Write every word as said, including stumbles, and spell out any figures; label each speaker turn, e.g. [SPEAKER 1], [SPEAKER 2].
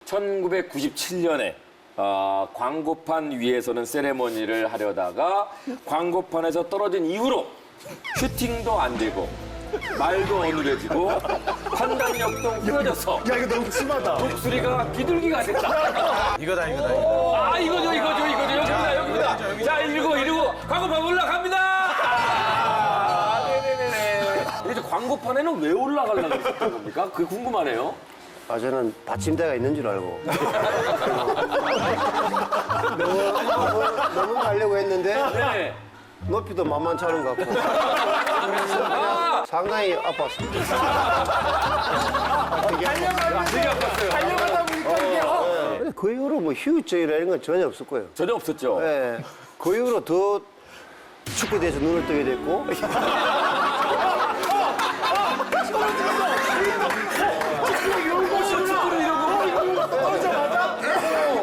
[SPEAKER 1] 천구백구십칠 년에 어, 광고판 위에서는 세레머니를 하려다가 광고판에서 떨어진 이후로 슈팅도 안 되고 말도 어눌해지고 판단력도 흐려져서
[SPEAKER 2] 야, 이거 너무 심하다.
[SPEAKER 1] 독수리가 비둘기가 됐다.
[SPEAKER 3] 이거다 이거다 이거.
[SPEAKER 1] 아 이거죠 이거죠 이거죠 여기입니다 여기입니다. 자 이러고 이러고 광고판 올라갑니다. 아, 네네네네. 이제 광고판에는 왜 올라가려고 했었던 겁니까? 그게 궁금하네요.
[SPEAKER 4] 아, 저는 받침대가 있는 줄 알고. 너무, 너무, 너무 가려고 했는데
[SPEAKER 1] 네.
[SPEAKER 4] 높이도 만만치 않은 것 같고.
[SPEAKER 1] 아,
[SPEAKER 4] 상당히 아팠습니다.
[SPEAKER 1] 되게 아팠어요.
[SPEAKER 2] 달려가다 보니까 이게 어.
[SPEAKER 4] 근데 그 이후로 뭐 휴유증이라는 건 전혀 없을 거예요.
[SPEAKER 1] 전혀 없었죠.
[SPEAKER 4] 예. 그 이후로 더 축구에 대해서 눈을 뜨게 됐고